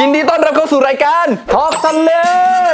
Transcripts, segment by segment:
นดีต้อนรับเข้าสู่รายการทอล์กซันเลน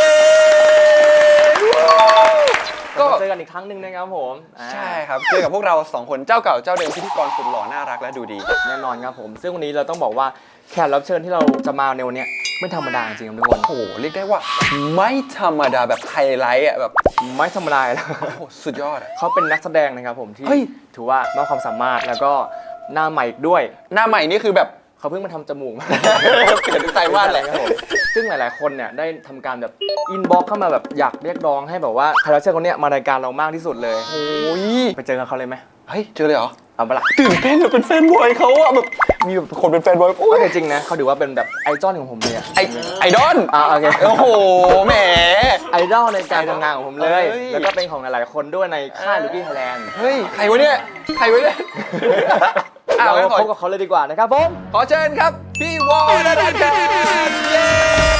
ก็เจอกันอีกครั้งหนึ่งนะครับผมใช่ครับเจอกับพวกเรา2คนเจ้าเก่าเจ้าเดิมพิธีกรสุดหล่อน่ารักและดูดีแน่นอนครับผมซึ่งวันนี้เราต้องบอกว่าแขกรับเชิญที่เราจะมาในวันนี้ไม่ธรรมดาจริงๆครับทุกคนโอ้โหเรียกได้ว่าไม่ธรรมดาแบบไฮไลท์อ่ะแบบไม่ธรรมดาแล้วโอ้โหสุดยอดอ่ะเขาเป็นนักแสดงนะครับผมที่ถือว่ามากความสามารถแล้วก็หน้าใหม่อีกด้วยหน้าใหม่นี่คือแบบเขาเพิ่งมาทำจมูกมาเปลี่ยนทุกไตรมาสเลยครับผมซึ่งหลายๆคนเนี่ยได้ทำการแบบอินบ็อกเข้ามาแบบอยากเรียกร้องให้แบบว่าแขกรับเชิญคนนี้มารายการเรามากที่สุดเลยโอ้ยไปเจอกับเขาเลยไหมเฮ้ยเจอเลยเหรอเอาไปละตื่นเต้นเราเป็นแฟนบอยเขาอะแบบมีแบบคนเป็นแฟนบอยโอ้ยจริงนะเขาถือว่าเป็นแบบไอดอลของผมเลยอะไอดอลโอเคโอ้โหแหมไอดอลในการทำงานของผมเลยแล้วก็เป็นของหลายๆคนด้วยในค่ายลูกี้ไทยแลนด์เฮ้ยใครวะเนี่ยเราพบกับเขาเลยดีกว่านะครับผมขอเชิญครับพี่วอลนะครับเย้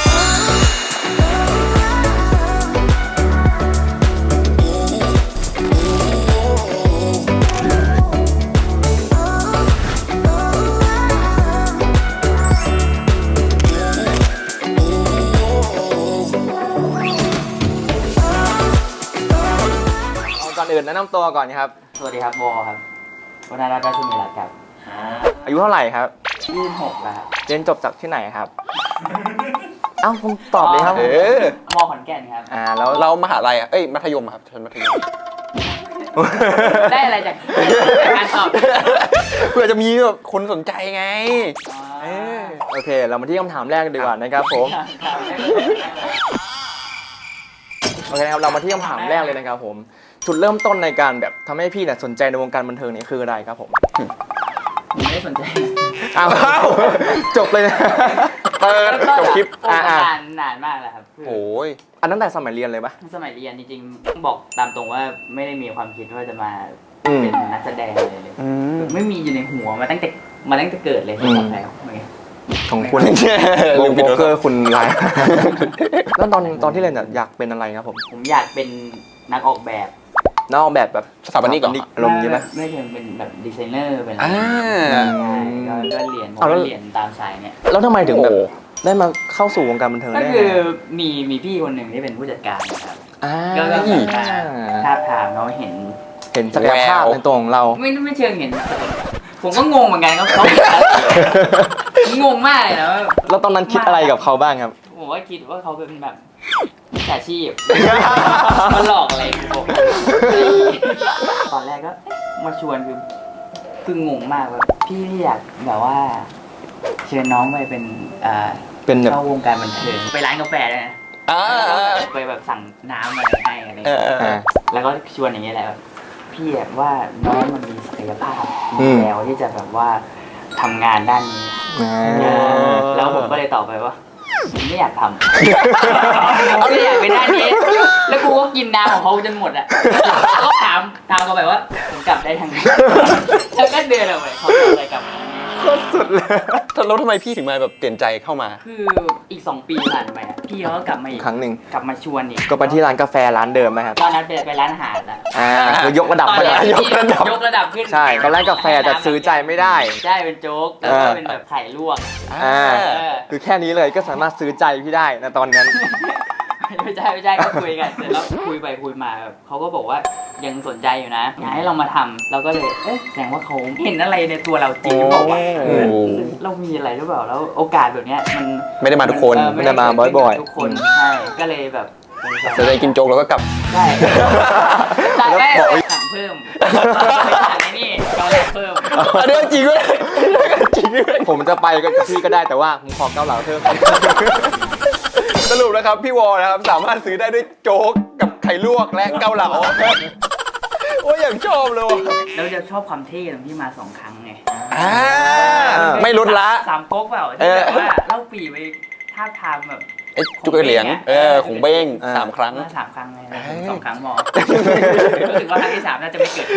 ก่อนอื่นแนะนำตัวก่อนครับสวัสดีครับวอครับวนาราชสุมิรัตน์ครับอายุเท่าไหร่ครับ 26แล้วครับเรียนจบจากที่ไหนครับเอ้าผมตอบเลยครับมขอนแก่นครับแล้วเรามหาลัยอ่ะมัธยมครับชั้นมัธยมได้อะไรจากการตอบเพื่อจะมีแบบคนสนใจไงโอเคเรามาที่คำถามแรกดีกว่านะครับผมโอเคครับเรามาที่คำถามแรกเลยนะครับผมจุดเริ่มต้นในการแบบทำให้พี่เนี่ยสนใจในวงการบันเทิงนี่คืออะไรครับผมไม่ได้สนใจอ้าวจบเลยนะจบคลิปนานมากแล้วครับโอ้ยอันนั้นแต่สมัยเรียนเลยปะสมัยเรียนจริงๆบอกตามตรงว่าไม่ได้มีความคิดว่าจะมาเป็นนักแสดงอะไรเลยไม่มีอยู่ในหัวมาตั้งแต่เกิดเลยของใครของคุณวงโบเกอร์คุณไลน์แล้วตอนที่เรียนอยากเป็นอะไรครับผมอยากเป็นนักออกแบบนักออกแบบสถาปนิกอารมณ์ใช่ไหมไม่ใช่เป็นแบบดีไซเนอร์เป็นอะไรก็เรียนตามสายเนี่ยแล้วทำไมถึงแบบได้มาเข้าสู่วงการบันเทิงได้ก็คือมีพี่คนหนึ่งที่เป็นผู้จัดการนะครับก็ท้าทามเขาเห็นศักยภาพในตัวของเราไม่เชิงเห็นผมก็งงเหมือนกันเขางงมากเลยนะแล้วตอนนั้นคิดอะไรกับเขาบ้างครับผมว่าคิดว่าเขาเป็นแบบมิจฉาชีพมาหลอกอะไรผมตอนแรกก็มาชวนคืองงมากว่าพี่อยากแบบว่าเชิญน้องไปเป็นเข้าวงการบันเทิงไปร้านกาแฟเลยนะไปแบบสั่งน้ำอะไรให้อะไรแล้วก็ชวนอย่างเงี้ยแหละพี่ว่าน้องมันมีศักยภาพมีแววที่จะแบบว่าทำงานด้านนี้แล้วผมก็เลยตอบไปว่าไม่อยากทำไม่อยากเป็นด้านนี้แล้วกูก็กินน้ำของเขาจนหมดอ่ะก็ถามเขาไปว่าผมกลับได้ทางไหนแล้วก็เดินออกไปเขาอะไรกลับโคตรสุดเลยแล้วทำไมพี่ถึงมาแบบเปลี่ยนใจเข้ามาคืออีก2 ปีผ่านไปพี่เขาก็กลับมาอีกครั้งหนึ่งกลับมาชวนอีกก็ไปที่ร้านกาแฟร้านเดิมไหมครับตอนนั้นไปร้านอาหารแล้วคือยกระดับยกระดับขึ้นใช่ตอนแรกกาแฟจะซื้อใจไม่ได้ใช่เป็นโจ๊กแล้วก็เป็นแบบไข่ลวกคือแค่นี้เลยก็สามารถซื้อใจพี่ได้นะตอนนั้นไม่ใช่ก็คุยกันเสร็จแล้วคุยไปคุยมาเขาก็บอกว่ายังสนใจอยู่นะอยากให้เรามาทำเราก็เลยแสดงว่าเขาเห็นอะไรในตัวเราจริงบอกว่าเรามีอะไรหรือเปล่าแล้วโอกาสแบบนี้มันไม่ได้มาทุกคนไม่ได้มาบ่อยๆทุกคนใช่ก็เลยแบบเสร็จกินโจ๊กแล้วก็กลับใช่ได้สั่งเพิ่มสั่งไอ้นี่เกาเหลาเพิ่มอันนี้จริงด้วยผมจะไปกับพี่ก็ได้แต่ว่าผมขอเกาเหลาเพิ่มสรุปนะครับพี่วอนะครับสามารถซื้อได้ด้วยโจ๊กกับไข่ลวกและเกาเหลาโอ้ยอย่างชอบเลยเราจะชอบความเท่ตรงที่มา2 ครั้งไงไม่ลดละ 3 ก๊กเปล่าที่แบบว่าเล่าปีไปท่าทางแบบจุกเหลียงของเบ้ง3 ครั้ง 3 ครั้งเลย2 ครั้งมอรู้สึกว่าครั้งที่3น่าจะไม่เกิด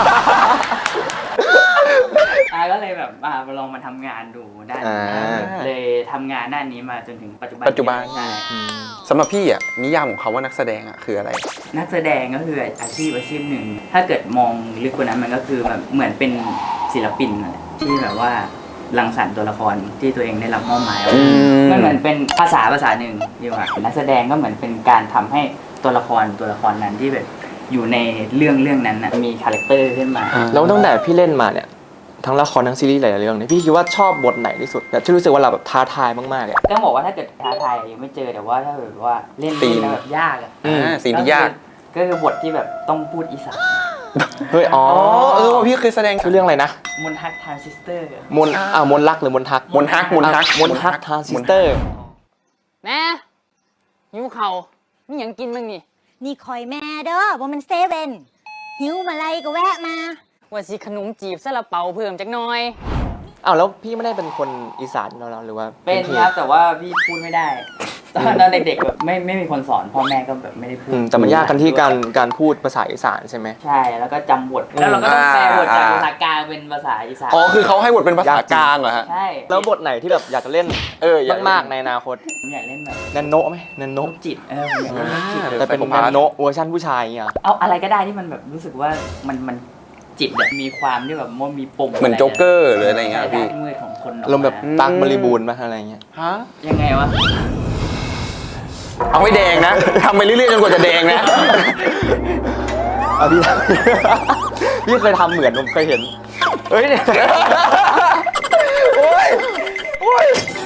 ก็เลยแบบลองมาทำงานดูด้านเลยทำงานด้านนี้มาจนถึงปัจจุบันใช่สำหรับพี่นิยามของเขาว่านักแสดงคืออะไรนักแสดงก็คืออาชีพหนึ่งถ้าเกิดมองลึกกว่านั้นมันก็คือแบบเหมือนเป็นศิลปินที่แบบว่ารังสรรค์ตัวละครที่ตัวเองได้รับมอบหมายมันเหมือนเป็นภาษาหนึ่งดีกว่านักแสดงก็เหมือนเป็นการทำให้ตัวละครนั้นที่แบบอยู่ในเรื่องนั้นนะมีคาแรคเตอร์ขึ้นมาแล้วตั้งแต่พี่เล่นมาเนี่ยทั้งละครทั้งซีรีส์หลายๆเรื่องเนี่ยพี่คิดว่าชอบบทไหนที่สุดแบบที่รู้สึกว่าเราแบบท้าทายมากๆเลยต้องบอกว่าถ้าเกิดท้าทายยังไม่เจอแต่ว่าถ้าแบบว่าเล่นแล้วแบบยากอ่ะสิ่งที่ยากก็คือบทที่แบบต้องพูดอีสานเฮ้ยอ๋อว่าพี่เคยแสดงชื่อเรื่องอะไรนะมนทักทรานซิสเตอร์มนมนรักหรือมนทักมนทักมนทักทรานซิสเตอร์แม่หิวเข่าวมีหยังกินบ้างนี่นี่คอยแม่เด้อว่ามันเซเว่นหิวมาไรก็แวะมาว่าสิขนมจีบซาลาเปาเพิ่มจักหน่อยอ้าวแล้วพี่ไม่ได้เป็นคนอีสานเราหรือว่าเป็นพี่ครับแต่ว่าพี่พูดไม่ได้ตอนเด็กๆแบบไม่มีคนสอนพ่อแม่ก็แบบไม่ได้พูดแต่มันยากกันที่การพูดภาษาอีสานใช่ไหมใช่แล้วก็จำบทแล้วเราก็ต้องแปลบทจากภาษากลางเป็นภาษาอีสานอ๋อคือเขาให้บทเป็นภาษากลางเหรอฮะใช่แล้วบทไหนที่แบบอยากจะเล่นอยากเล่นมากๆในอนาคตผมอยากเล่นแบบแนนโนไหมแนนโนโรคจิตผมอยากเล่นโรคจิตแต่เป็นแนนโนเวอร์ชันผู้ชายอย่างเงี้ยเอาอะไรก็ได้ที่มันแบบรู้สึกว่ามันจิตแบบมีความที่แบบมันมีปมเหมือนโจ๊กเกอร์หรืออะไรเงี้ยพี่ด้านมืดของคนลมณ์แบบตั๊กบริบูรณ์มาอะไรเงี้ยฮะยังไงวะเอาไม่แดงนะทำไปเรื่อยๆจนกว่าจะแดงนะพี่ พี่เคยทำเหมือนผมเคยเห็นเฮ้ยเนี่ยโอ้ย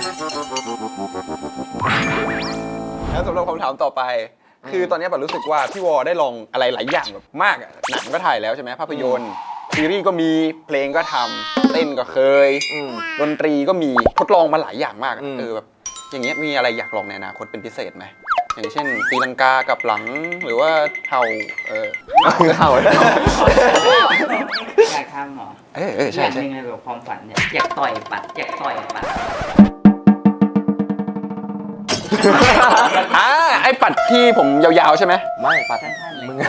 แล้วสำหรับคำถามต่อไป คือตอนนี้แบบรู้สึกว่าพี่วอได้ลองอะไรหลายอย่างแบบมากอะหนังก็ถ่ายแล้วใช่ไหมภาพยนตร์ซีรีส์ก็มีเพลงก็ทำเต้นก็เคยดนตรีก็มีทดลองมาหลายอย่างมากอะแบบอย่างเงี้ยมีอะไรอยากลองในอนาคตเป็นพิเศษไหมอย่างเช่นตีลังกากับหลังหรือว่าเห่าเห่าอยากทำเหรอใช่อย่างใช่หนึ่งเลยแบบความฝันเนี่ยอยากต่อยปัดอยากต่อยปัดไอ้ปัดที่ผมยาวๆใช่ไหมไม่ปัดสั้นๆเลยมึง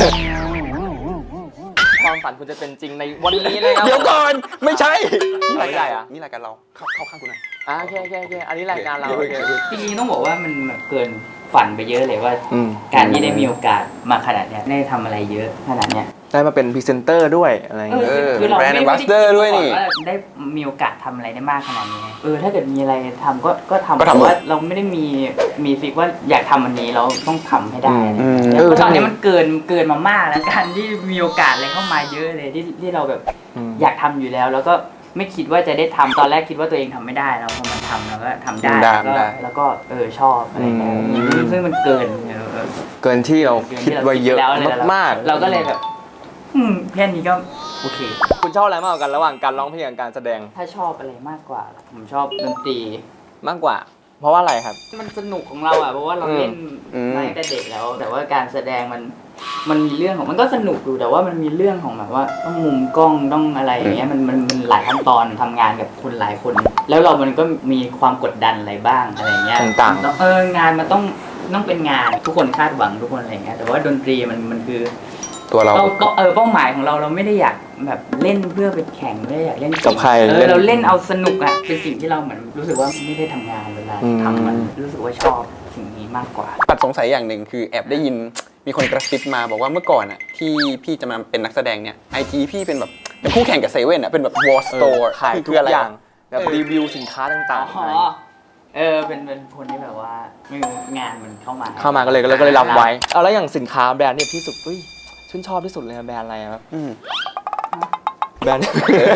ความฝันคุณจะเป็นจริงในวันนี้นะครับเดี๋ยวก่อนไม่ใช่นี่รายการอะนี่รายการเราเข้าข้างกูหน่อยโอเคอันนี้รายการเราจริงๆต้องบอกว่ามันแบบเกินฝันไปเยอะเลยว่า การที่ได้มีโอกาสมาขนาดเนี้ยได้ทำอะไรเยอะขนาดเนี้ยได้มาเป็นพรีเซนเตอร์ด้วยอะไรเงี้ยคือเราแบรนด์ไม่แอมบาสเดอร์ด้วยนี่ว่าได้มีโอกาสทำอะไรได้มากขนาดนี้ถ้าเกิดมีอะไรทำก็ทำก็ทำแต่ว่าเราไม่ได้มีฟิกว่าอยากทำอันนี้เราต้องทำให้ได้แล้วตอนนี้มันเกินมามากแล้วการที่มีโอกาสอะไรเข้ามาเยอะเลยที่เราแบบอยากทำอยู่แล้วก็ไม่คิดว่าจะได้ทำตอนแรกคิดว่าตัวเองทำไม่ได้เราพอมันทำเราก็ทำได้แล้วก็ชอบอะไรเงี้ยซึ่งมันเกินที่เราคิดไว้เยอะมากเราก็เลยแบบแค่นี้ก็โอเคคุณชอบอะไรมากกว่ากันระหว่างการร้องเพลงกับการแสดงถ้าชอบอะไรมากกว่าผมชอบดนตรีมากกว่า เพราะว่าอะไรครับมันสนุกของเราอ่ะเพราะว่าเราเล่นมาตั้งแต่เด็กแล้ว แต่ว่าการแสดงมันมีเรื่องของมันก็สนุกอยู่แต่ว่ามันมีเรื่องของแบบว่าต้องมุมกล้องต้องอะไรอย่างเงี้ยมันหลายขั้นตอนทำงานกับคนหลายคน แล้วมันก็มีความกดดันอะไรบ้างอะไรเงี้ยต่างๆงานมันต้องเป็นงานทุกคนคาดหวังทุกคนอะไรเงี้ยแต่ว่าดนตรีมันคือตัวเราก็เป้าหมายของเราไม่ได้อยากแบบเล่นเพื่อไปแข่งไม่ได้อยากเล่นกับใครเราเล่นเอาสนุกอ่ะเป็นสิ่งที่เราเหมือนรู้สึกว่าไม่ได้ทำงานเวลาทำมันรู้สึกว่าชอบสิ่งนี้มากกว่าปัดสงสัยอย่างหนึ่งคือแอบได้ยินมีคนกระซิบมาบอกว่าเมื่อก่อนอ่ะที่พี่จะมาเป็นนักแสดงเนี่ย IG พี่เป็นแบบเป็นคู่แข่งกับเซเว่นอ่ะเป็นแบบ War Store ขายทุกอย่างแบบรีวิวสินค้าต่างๆเป็นคนที่แบบว่าไม่รู้งานมันเข้ามาก็เลยรับไว้เอาแล้วอย่างสินค้าแบรนด์เนี่ยที่สุดชื่นชอบที่สุดเลยแบรนด์อะไรครับแบรนด์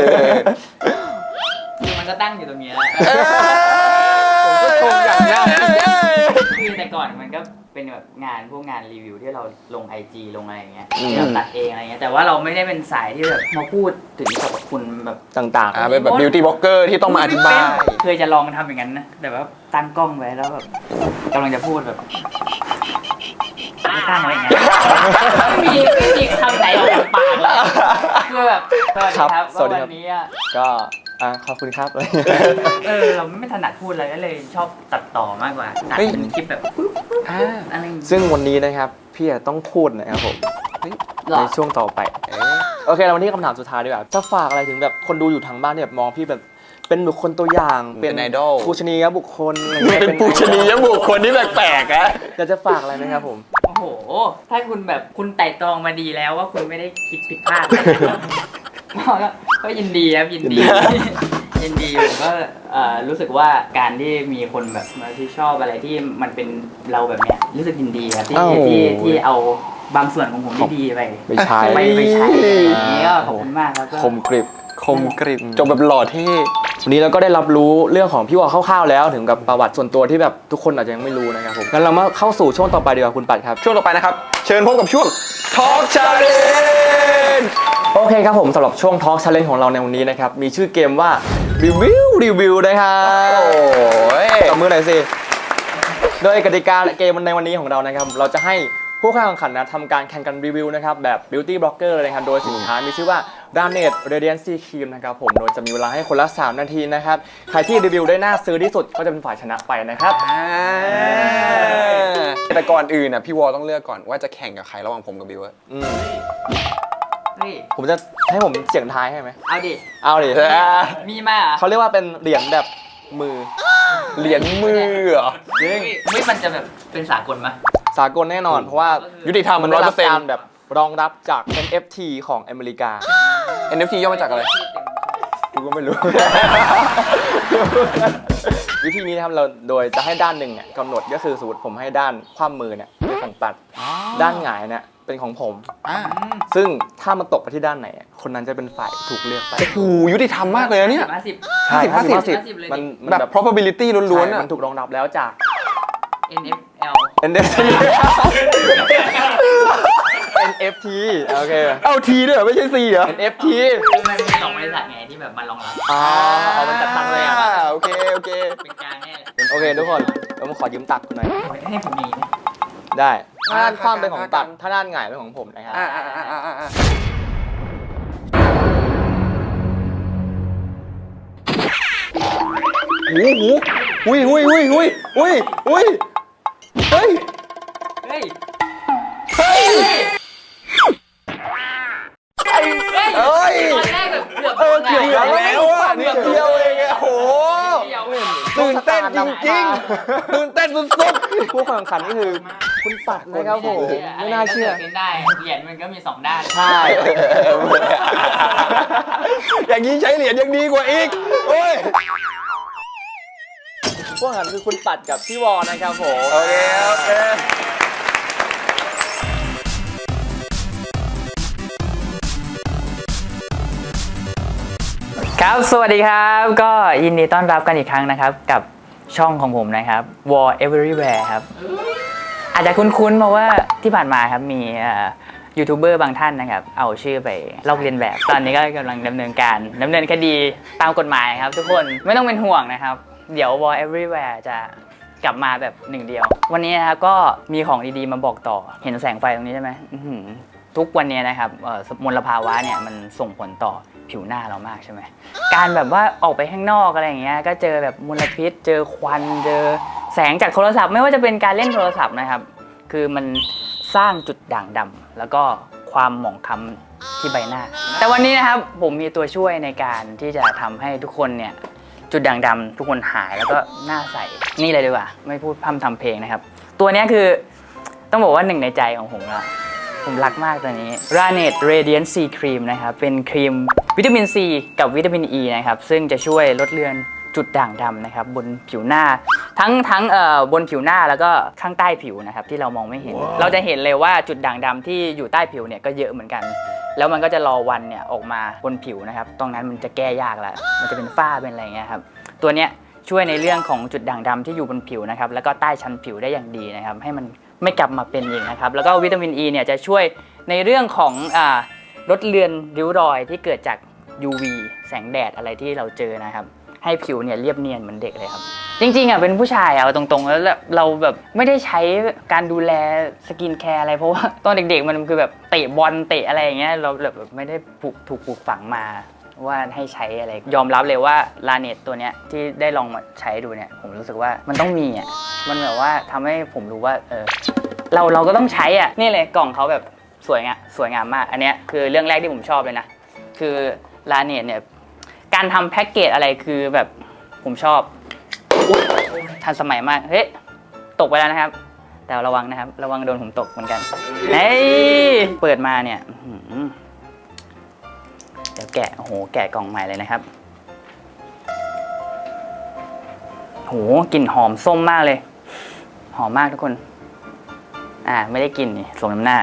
คือมันก็ตั้งอยู่ตรงนี้แล้วผมก็ชมอย่างนี้คือแต่ก่อนมันก็เป็นแบบพวกงานรีวิวที่เราลง IG ลงอะไรอย่างเงี้ยที่เราตัดเองอะไรเงี้ยแต่ว่าเราไม่ได้เป็นสายที่แบบมาพูดถึงสรรพคุณแบบต่างๆเป็นแบบ beauty blogger ที่ต้องมาอธิบายเคยจะลองทำอย่างนั้นนะแต่ว่าตั้งกล้องไว้แล้วแบบกำลังจะพูดแบบไม่ตั้งไว้อย่างนั้นไม่มีคำไหนออกจากปากเลยคือแบบสวัสดีครับวันนี้ก็ขอบคุณครับเราไม่ถนัดพูดอะไรก็เลยชอบตัดต่อมากกว่าตัดเป็นคลิปแบบอะไรซึ่งวันนี้นะครับพี่ต้องพูดนะครับผมในช่วงต่อไปโอเคเราวันนี้คำถามสุดท้ายดีกว่าจะฝากอะไรถึงแบบคนดูอยู่ทางบ้านที่แบบมองพี่แบบเป็นบุคคลตัวอย่างเป็นไอดอลปูชนียบุคคลเป็นปูชนียบุคคลที่แปลกๆอะอยากจะฝากอะไรไหมครับผมโอ้โหถ้าคุณแบบคุณไต่ตรองมาดีแล้วว่าคุณไม่ได้คิดผิดพลาดก็ยินดีครับยินดียินดีผมก็รู้สึกว่าการที่มีคนแบบมาที่ชอบอะไรที่มันเป็นเราแบบเนี้ยรู้สึกยินดีครับที่เอาบางส่วนของผมที่ดีไปไม่ใช่ไปใช้อย่างนี้ก็ขอบคุณมากครับก็คมกริบคมกริบจบแบบหล่อเท่วันนี้เราก็ได้รับรู้เรื่องของพี่วอคร่าวๆแล้วถึงกับประวัติส่วนตัวที่แบบทุกคนอาจจะยังไม่รู้นะครับผมงั้นเรามาเข้าสู่ช่วงต่อไปดีกว่าคุณปัดครับช่วงต่อไปนะครับ เชิญพบกับช่วง Talk Challenge โอเคครับผมสำหรับช่วง Talk Challenge ของเราในวันนี้นะครับมีชื่อเกมว่ารีวิวนะครับโอ้ยตบมือหน่อยสิโดยกติกาเกมในวันนี้ของเรานะครับเราจะให้ผู้เข้าแข่งขันนะทำการแข่งกันรีวิวนะครับแบบ Beauty Blogger เลยครับโดยสินค้ามีชื่อว่า Garnet Radiant C Cream นะครับผมโดยจะมีเวลาให้คนละ3นาทีนะครับใครที่รีวิวได้น่าซื้อที่สุดก็จะเป็นฝ่ายชนะไปนะครับแต่ก่อนอื่นนะพี่วอต้องเลือกก่อนว่าจะแข่งกับใครระหว่างผมกับบิวอะเฮ้ยผมจะให้ผมเสียงทายให้ไหมเอาดิเอาดิมีมาเหรอเขาเรียกว่าเป็นเหรียญแบบมือเหรียญมือเหรอเฮ้ยมันจะแบบเป็นสากลมั้ยสากลแน่นอนเพราะว่ายุติธรรมมันได้รับการ 100% แบบรองรับจาก NFT ของอเมริกา NFT ย่อมาจากอะไรกูก็ไม่รู้วิธีนี้นะครับเราโดยจะให้ด้านหนึ่งเนี่ยกำหนดก็คือสมมติผมให้ด้านคว่ำมือเนี่ยเป็นของปัดด้านหงายเนี่ยเป็นของผม ซึ่งถ้ามันตกไปที่ด้านไหนคนนั้นจะเป็นฝ่ายถูกเลือกไปโอ้โหยุติธรรมมากเลยนะเนี่ยใช่ 50 เลยดิมันแบบ probability ล้วนๆใช่อะมันถูกรองรับแล้วจาก NFL NFT NFT โอเคเอาทีด้วยเหรอไม่ใช่ C เหรอ NFT คือมันมี2บริษัทไงที่แบบมารองรับเอามันจัดตั้งเลยอ่ะโอเคเป็นกลางแน่แหละโอเคทุกคนผมขอยืมตักคุณหน่อยให้ผมมีนะได้ถ้าด้านคว่ำเป็นของตัดถ้าด้านหงายเป็นของผมนะครับหุยเฮ้ยเฮ้ยเฮ้ยเฮ้ยเอ้ยตอนแรกแบบเกือบเกือบแล้วอะนิดเดียวเองอะโหตื่นเต้นจริงๆตื่นเต้นสุดผู้แข่งขันนี่คือคุณปัดนะครับผมไม่น่าเชื่อเป็นได้เหรียญมันก็มี2ด้านใช่ๆอย่างนี้ใช้เหรียญยังดีกว่าอีกโอ้ยผู้แข่งขันคือคุณปัดกับพี่วอนะครับผมโอเคครับ สวัสดีครับ ก็ยินดีต้อนรับกันอีกครั้งนะครับ กับช่องของผมนะครับ War Everywhere ครับ อาจจะคุ้นๆเพราะว่าที่ผ่านมาครับมียูทูบเบอร์บางท่านนะครับ เอาชื่อไปลอกเลียนแบบ ตอนนี้ก็กำลังดำเนินคดีตามกฎหมายครับทุกคนไม่ต้องเป็นห่วงนะครับ เดี๋ยว War Everywhere จะกลับมาแบบหนึ่งเดียว วันนี้นะครับก็มีของดีๆมาบอกต่อเห็นแสงไฟตรงนี้ใช่ไหมทุกวันนี้นะครับมลภาวะเนี่ยมันส่งผลต่อผิวหน้าเรามากใช่ไหมการแบบว่าออกไปข้างนอกอะไรอย่างเงี้ยก็เจอแบบมลพิษเจอควันเจอแสงจากโทรศัพท์ไม่ว่าจะเป็นการเล่นโทรศัพท์นะครับคือมันสร้างจุดด่างดำแล้วก็ความหมองคล้ำที่ใบหน้า แต่วันนี้นะครับผมมีตัวช่วยในการที่จะทำให้ทุกคนเนี่ยจุดด่างดำทุกคนหายแล้วก็หน้าใสนี่เลยดีกว่าไม่พูดพร่ำทำเพลงนะครับตัวนี้คือต้องบอกว่าหนึ่งในใจของผมละผมรักมากตัวนี้ Garnet Radiant C Cream นะครับเป็นครีมวิตามิน C กับวิตามิน E นะครับซึ่งจะช่วยลดเลือนจุดด่างดำนะครับบนผิวหน้าทั้งบนผิวหน้าแล้วก็ข้างใต้ผิวนะครับที่เรามองไม่เห็น เราจะเห็นเลยว่าจุดด่างดำที่อยู่ใต้ผิวเนี่ยก็เยอะเหมือนกัน แล้วมันก็จะรอวันเนี่ยออกมาบนผิวนะครับตรงนั้นมันจะแก้ยากแล้วมันจะเป็นฝ้าเป็นอะไรเงี้ยครับตัวเนี้ยช่วยในเรื่องของจุดด่างดำที่อยู่บนผิวนะครับแล้วก็ใต้ชั้นผิวได้อย่างดีนะครับให้มันไม่กลับมาเป็นอีกนะครับแล้วก็วิตามิน E เนี่ยจะช่วยในเรื่องของลดเลือนริ้วรอยที่เกิดจาก UV แสงแดดอะไรที่เราเจอนะครับให้ผิวเนี่ยเรียบเนียนเหมือนเด็กเลยครับจริงๆเป็นผู้ชายเอาตรงๆแล้วเราแบบไม่ได้ใช้การดูแลสกินแคร์อะไรเพราะว่าตอนเด็กๆมันคือแบบเตะบอลเตะอะไรอย่างเงี้ยเราแบบไม่ได้ถูกปลูกฝังมาว่าให้ใช้อะไรยอมรับเลยว่าลาเนตตัวเนี้ยที่ได้ลองมาใช้ดูเนี่ยผมรู้สึกว่ามันต้องมีมันแบบว่าทำให้ผมรู้ว่าเราก็ต้องใช้นี่เลยกล่องเขาแบบสวยงามมากอันเนี้ยคือเรื่องแรกที่ผมชอบเลยนะคือลาเนตเนี่ยการทำแพ็กเกจอะไรคือแบบผมชอบทันสมัยมากเฮ้ยตกไปแล้วนะครับแต่ระวังนะครับระวังโดนผมตกเหมือนกันเฮ้ยเปิดมาเนี่ยเดี๋ยวแกะกล่องใหม่เลยนะครับโหกลิ่นหอมส้มมากเลย หอมมากทุกคน ไม่ได้กลิ่นนี่สมน้ำหน้า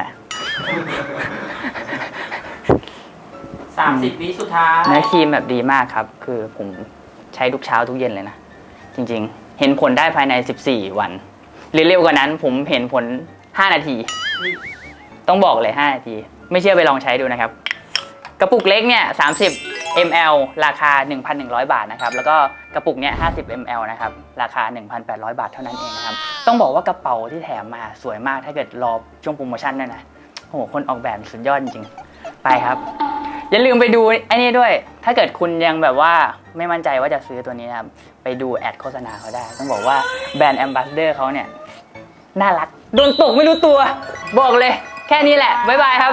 30 วิสุดท้ายเนื้อครีมแบบดีมากครับ คือผมใช้ทุกเช้าทุกเย็นเลยนะ จริงๆ เห็นผลได้ภายใน 14 วัน หรือเร็วกว่านั้นผมเห็นผล 5 นาที ต้องบอกเลย 5 นาที ไม่เชื่อไปลองใช้ดูนะครับ กระปุกเล็กเนี่ย30 ml ราคา 1,100 บาทนะครับ แล้วก็กระปุกเนี้ย50 ml นะครับ ราคา 1,800 บาทเท่านั้นเองนะครับ ต้องบอกว่ากระเป๋าที่แถมมาสวยมากถ้าเกิดรอช่วงโปรโมชั่นด้วยนะ โอ้โห คนออกแบบสุดยอดจริงๆ ไปครับ อย่าลืมไปดูไอ้นี่ด้วย ถ้าเกิดคุณยังแบบว่าไม่มั่นใจว่าจะซื้อตัวนี้นะครับ ไปดูแอดโฆษณาเขาได้ ต้องบอกว่าแบรนด์แอมบาสเดอร์เขาเนี่ยน่ารัก โดนตกไม่รู้ตัว บอกเลย แค่นี้แหละ บ๊ายบายครับ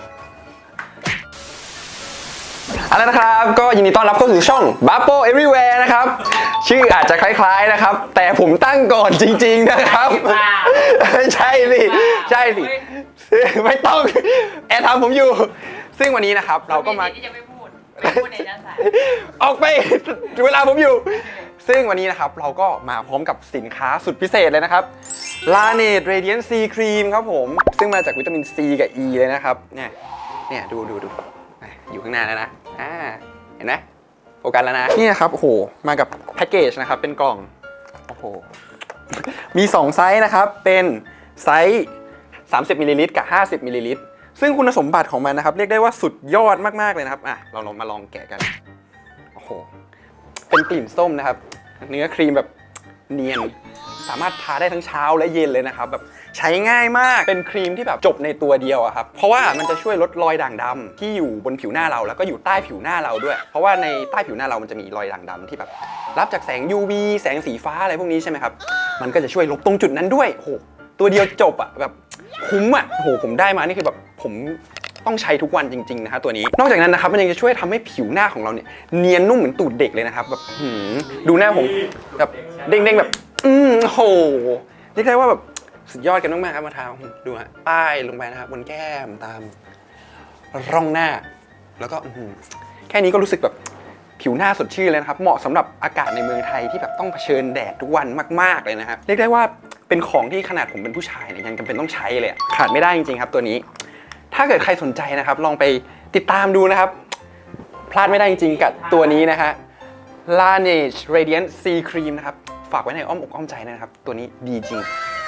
เอาละนะครับก็ยินดีต้อนรับเข้าสู่ช่อง Bubble Everywhere นะครับชื่ออาจจะคล้ายๆนะครับแต่ผมตั้งก่อนจริงๆนะครับใช่สิใช่สิไม่ต้องแอร์ทำผมอยู่ซึ่งวันนี้นะครับเราก็มาที่จะไม่พูดพูดในนั้นสายออกไปเวลาผมอยู่ ซึ่งวันนี้นะครับเราก็มาพร้อมกับสินค้าสุดพิเศษเลยนะครับ Laneige Radiant C Cream ครับผมซึ่งมาจากวิตามิน C กับ E เลยนะครับเนี่ยดูอยู่ข้างหน้าแล้วนะเห็นไหมโฟกัสแล้วนะนี่นะครับโอ้โหมากับแพ็กเกจนะครับเป็นกล่องโอ้โหมี2ไซส์นะครับเป็นไซส์30มิลลิลิตรกับ50มิลลิลิตรซึ่งคุณสมบัติของมันนะครับเรียกได้ว่าสุดยอดมากๆเลยนะครับเรามาลองแกะกันโอ้โหเป็นกลิ่นส้มนะครับเนื้อครีมแบบเนียนสามารถทาได้ทั้งเช้าและเย็นเลยนะครับแบบใช้ง่ายมากเป็นครีมที่แบบจบในตัวเดียวอะครับเพราะว่ามันจะช่วยลดรอยด่างดำที่อยู่บนผิวหน้าเราแล้วก็อยู่ใต้ผิวหน้าเราด้วยเพราะว่าในใต้ผิวหน้าเรามันจะมีรอยด่างดำที่แบบรับจากแสง UV แสงสีฟ้าอะไรพวกนี้ใช่ไหมครับมันก็จะช่วยลบตรงจุดนั้นด้วยโอ้โหตัวเดียวจบอะแบบคุ้มอะโอ้โหผมได้มานี่คือแบบผมต้องใช้ทุกวันจริงๆนะครับตัวนี้นอกจากนั้นนะครับมันยังจะช่วยทำให้ผิวหน้าของเราเนี่ยเนียนนุ่มเหมือนตูดเด็กเลยนะครับแบบดูหน้าผมแบบเด้งๆแบบโหเรียกได้ว่าแบบสุดยอดกันมากๆครับมาทาดูฮะป้ายลงไปนะครับบนแก้มตามร่องหน้าแล้วก็แค่นี้ก็รู้สึกแบบผิวหน้าสดชื่นเลยนะครับเหมาะสำหรับอากาศในเมืองไทยที่แบบต้องเผชิญแดดทุกวันมากๆเลยนะครับเรียกได้ว่าเป็นของที่ขนาดผมเป็นผู้ชายเนี่ยยังจำเป็นต้องใช้เลยขาดไม่ได้จริงๆครับตัวนี้ถ้าเกิดใครสนใจนะครับลองไปติดตามดูนะครับพลาดไม่ได้จริงๆกับตัวนี้นะฮะ Laneige Radiant C Cream นะครับฝากไว้ในอ้อมอกอ้อมใจนะครับตัวนี้ดีจริง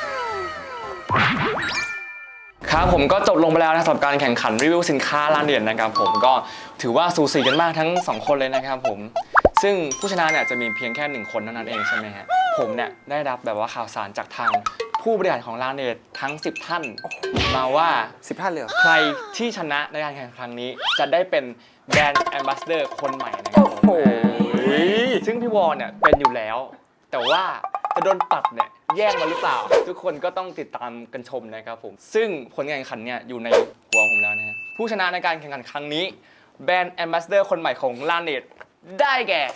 ครับผมก็จบลงไปแล้วนะสำหรับการแข่งขันรีวิวสินค้าLaneigeนะครับผมก็ถือว่าสูสีกันมากทั้ง2คนเลยนะครับผมซึ่งผู้ชนะเนี่ยจะมีเพียงแค่1คนเท่านั้นเองใช่ไหมฮะผมเนี่ยได้รับแบบว่าข่าวสารจากทางผู้บริหารของLaneigeทั้ง10ท่านมาว่า 10ท่านเลยเหรอใครที่ชนะในการแข่งขันครั้งนี้จะได้เป็นแบรนด์แอมบาสเดอร์คนใหม่นะครับผมซึ่งพี่วอลเนี่ยเป็นอยู่แล้วแต่ว่าจะโดนปัดเนี่ยแย่งมาหรือเปล่าทุกคนก็ต้องติดตามกันชมนะครับผมซึ่งผลการแข่งขันเนี่ยอยู่ในหัวผมแล้วนะฮะผู้ชนะในการแข่งขันครั้งนี้แบรนด์แอมบาสเดอร์คนใหม่ของLaneigeได้แก่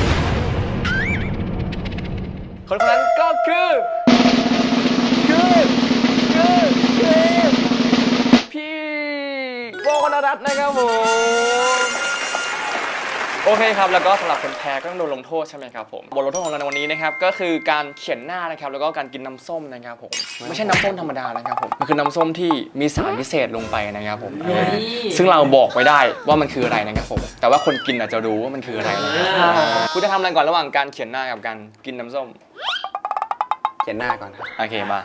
คนนั้นก็คือพี่โบกนรัตน์นะครับผมโอเคครับแล้วก็สำหรับคนแพ้ก็ต้องโดนลงโทษใช่ไหมครับผมบทลงโทษของเราในวันนี้นะครับก็คือการเขียนหน้านะครับแล้วก็การกินน้ำส้มนะครับผมไม่ใช่น้ำส้มธรรมดานะครับผมมันคือน้ำส้มที่มีสารพิเศษลงไปนะครับผมซึ่งเราบอกไม่ได้ว่ามันคืออะไรนะครับผมแต่ว่าคนกินอาจจะรู้ว่ามันคืออะไรนะครับคุณจะทำอะไรก่อนระหว่างการเขียนหน้ากับการกินน้ำส้มเขียนหน้าก่อนครับโอเคมา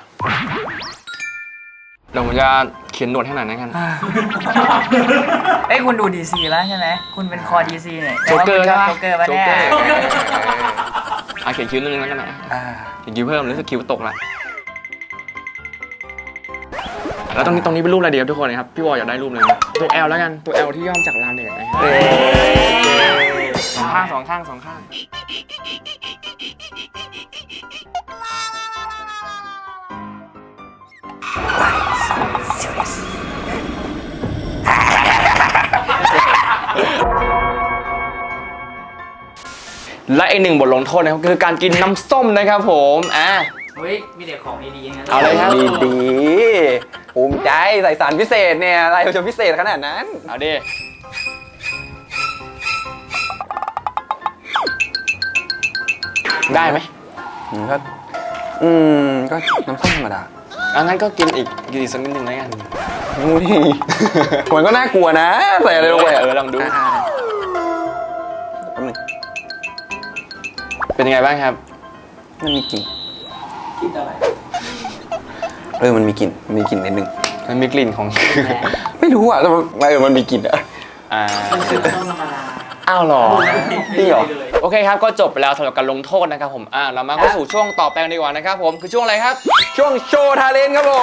เดี๋ยวผมจะเขียนหนวดให้หน่อยนะครับเอ้ยคุณดูดีซีแล้วใช่ไหมคุณเป็นคอดีซีเนี่ยโจ๊กเกอร์ใช่ปะโจ๊กเกอร์ปะเนี่ยเขียนคิ้วนึงแล้วกันนะเขียนคิ้วเพิ่มรู้สึกคิ้วตกละแล้วตรงนี้เป็นรูปอะไรเดียวทุกคนนะครับพี่วอลอยากได้รูปเลยตัว L แล้วกันตัว L ที่ย่อมจากLaneigeนะครับสองข้างและอีกหนึ่งบทลงโทษนะครับคือการกินน้ำส้มนะครับผมเฮ้ยมีแต่ของดีๆงั้นเอาเลยครับดีภูมิใจใส่สารพิเศษเนี่ยอะไรจะพิเศษขนาดนั้นเอาดิได้ไหมก็ก็น้ำส้มธรรมดางั้นก็กินอีกสักนิดนึงแล้วกันงูนี่ มันก็น่ากลัวนะใส่อะไรลงไปอะลองดูแป๊บนึงเป็นยังไงบ้างครับมันมีกลิ่นคิดอะไรมันมีกลิ่นนิดนึงมันมีกลิ่นของไม่รู้อ่ะแต่มันมีกลิ่นอ่ะมันคือต้นธรรมดาอ้าวเหรอจริงเหรอโอเคครับก็จบไปแล้วสำหรับการลงโทษนะครับผมเรามาเข้าสู่ช่วงต่อไปกันดีกว่านะครับผมคือช่วงอะไรครับช่วงโชว์ทาเลนต์ครับผม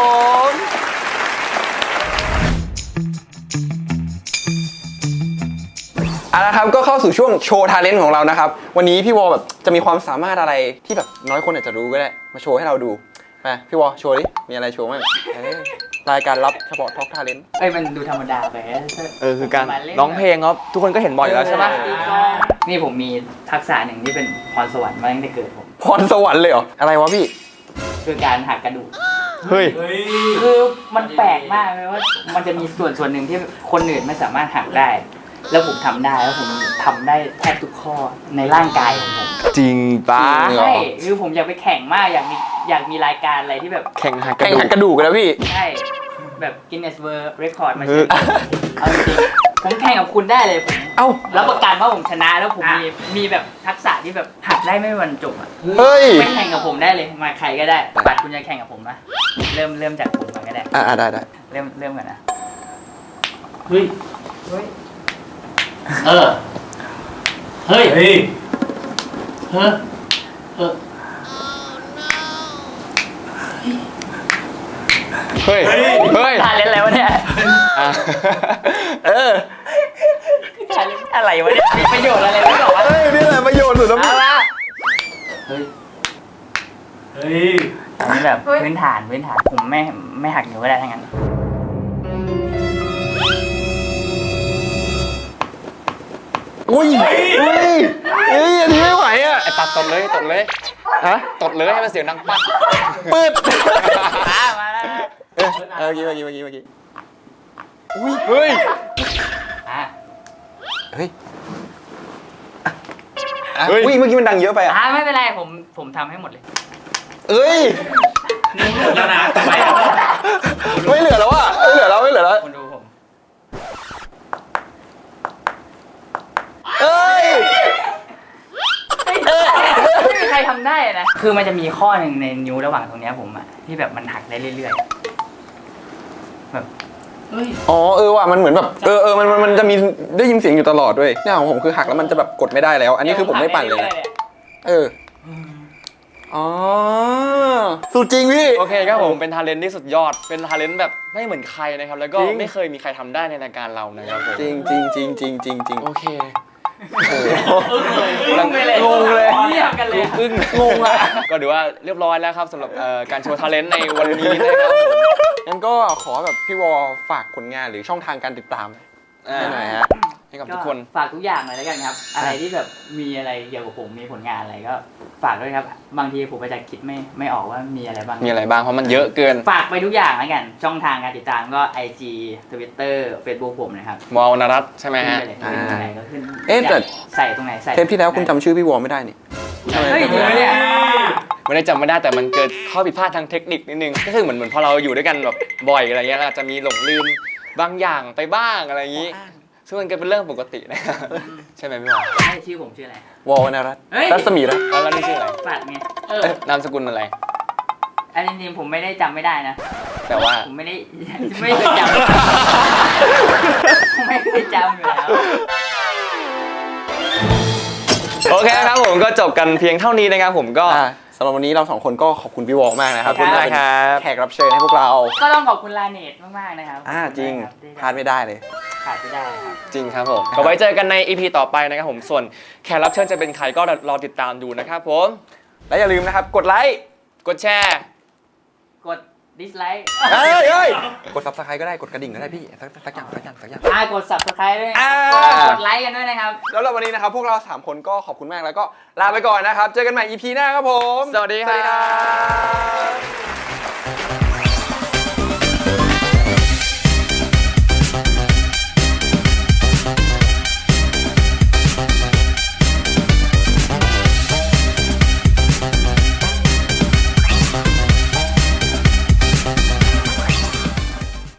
เอาละครับก็เข้าสู่ช่วงโชว์ทาเลนต์ของเรานะครับวันนี้พี่วอแบบจะมีความสามารถอะไรที่แบบน้อยคนอาจจะรู้ก็ได้มาโชว์ให้เราดูมาพี่วอโชว์ดิมีอะไรโชว์บ้างรายการลับเฉพาะท็อกทาเลนต์มันดูธรรมดาไปคือการร้องเพลงครับทุกคนก็เห็นบ่อยอยู่แล้วใช่ไหมนี่ผมมีทักษะหนึ่งที่เป็นพรสวรรค์มาตั้งแต่เกิดผมพรสวรรค์เลยเหรออะไรวะพี่คือการหักกระดูกเฮ้ยคือมันแปลกมากเลยว่ามันจะมีส่วนหนึ่งที่คนอื่นไม่สามารถหักได้ แล้วผมทำได้แล้วผมทำได้แทบทุกข้อในร่างกายของผมจริงปะจริงเหรอใช่คือผมอยากไปแข่งมากอยากมีรายการอะไรที่แบบแข่งหักกแข่ระงดูหักกกระดูกกันแล้วพี่ใช่แบบกินเนสเวิร์เรคคอร์ดมาเชิญเอาจริงๆผมแข่งกับคุณได้เลยผมเอ้ารับประกันว่าผมชนะแล้วผมมีแบบทักษะที่แบบหักได้ไม่มีวันจบอ่ะเฮ้ยไม่แข่งกับผมได้เลยมาใครก็ได้ปัดคุณจะแข่งกับผมนะเริ่มจากผมก่อนก็ได้ได้เริ่มก่อนนะเฮ้ยเฮ้ยเฮ้ย เฮ้ย เฮ้ยเฮ้ยเฮ้ยทานเล่นอะไรวะเนี่ยอ่ะทานเล่นอะไรวะเนี่ยมีประโยชน์อะไรไม่บอกวะเฮ้ยนี่แหละประโยชน์สุดแล้วเอาละเฮ้ยอันนี้แบบพื้นฐานผมไม่หักนิ้วก็ได้ทั้งนั้นอุ้ยอันนี้ไม่ไหวอ่ะไอ้ปัดตดเลยฮะตดเลยให้มันเสียงดังปักปืดมาแล้วเมื่อกี้อุ้ยเฮ้ยเฮ้ยอุ้ยเมื่อกี้มันดังเยอะไปอ่ะไม่เป็นไรผมทำให้หมดเลยเอ้ยหมดแล้วนะทำไมอ่ะไม่เหลือแล้วอ่ะไม่เหลือแล้วคุณดูผมเอ้ยไม่มีใครทำได้นะคือมันจะมีข้อหนึ่งในนิ้วระหว่างตรงเนี้ยผมอะที่แบบมันหักได้เรื่อยๆแบบเฮ้ยอ๋อว่ะมันเหมือนแบบมันจะมีได้ยินเสียงอยู่ตลอดด้วยเนี่ยของผมคือหักแล้วมันจะแบบกดไม่ได้แล้ว อันนี้คือผมไม่ปั่นเลยนะอ๋อสุดจริงพี่โอเคครับผมเป็นทาเลนต์ที่สุดยอดเป็นทาเลนต์แบบไม่เหมือนใครนะครับแล้วก็จริงไม่เคยมีใครทำได้ในรายการเรานะครับผมจริงโอเคงงเลยงงเลยเงียบกันเลยอึ้งงงอะก็ถือว่าเรียบร้อยแล้วครับสำหรับการโชว์ทาเลนต์ในวันนี้นะครับผมงั้นก็ขอแบบพี่วอฝากผลงานหรือช่องทางการติดตามให้หน่อยฮะให้กับทุกคนฝากทุกอย่างเลยแล้วกันครับ อะไรที่แบบมีอะไรเกี่ยวกับผมมีผลงานอะไรก็ฝากด้วยครับ บางทีผมอาจจะคิดไม่ออกว่ามีอะไรบ้างมีอะไรบ้างเพราะมันเยอะเกินฝากไปทุกอย่างแล้วกัน ช่องทางการติดตามก็ IG Twitter Facebook ผมนะครับวอลนรัตน์ใช่ไหมฮะขึ้นไปเลยขึ้นตรงไหนก็ขึ้นเอ๊ะแต่ใส่ตรงไหนใส่เทปที่แล้วคุณจำชื่อพี่วอไม่ได้นี่เฮ้ยจริงไหมเนี่ยไม่ได้จำไม่ได้แต่มันเกิดข้อผิดพลาดทางเทคนิคนิดนึงก็คือเหมือนพอเราอยู่ด้วยกันแบบบ่อยอะไรเงี้ยเราอาจจะมีหลงลืมบางอย่างไปบ้างอะไรอย่างนี้ ซึ่งมันก็เป็นเรื่องปกตินะครับใช่ไหมพี่วอลใช่ชื่อผมชื่ออะไรวอวรรณรัตน์เฮ้ยรัศมีรัตน์แล้วนี่ชื่ออะไรฝากไงนามสกุลอะไรอันนี้จริงๆผมไม่ได้จำไม่ได้นะแต่ว่าผมไม่เคยจำ ผมไม่เคยจำอยู่แล้วโอเคครับผมก็จบกันเพียงเท่านี้นะครับผมก็สำหรับวันนี้เราสองคนก็ขอบคุณพี่วอมากนะครับขอบคุณมากครับแขกรับเชิญให้พวกเราก็ต้องขอบคุณลาเนตมากๆนะครับจริงที่พลาดไม่ได้เลยขาดไม่ได้ครับจริงครับผมก็ไว้เจอกันใน EP ต่อไปนะครับผมส่วนแขกรับเชิญจะเป็นใครก็รอติดตามดูนะครับผมและอย่าลืมนะครับกดไลค์กดแชร์กดดิสไลค์กด subscribe ก็ได้กดกระดิ่งก็ได้พี่สักอย่างกด subscribe ด้วยกดไลค์กันด้วยนะครับแล้ววันนี้นะครับพวกเรา3คนก็ขอบคุณมากแล้วก็ลาไปก่อนนะครับเจอกันใหม่ EP หน้าครับผมสวัสดีครับ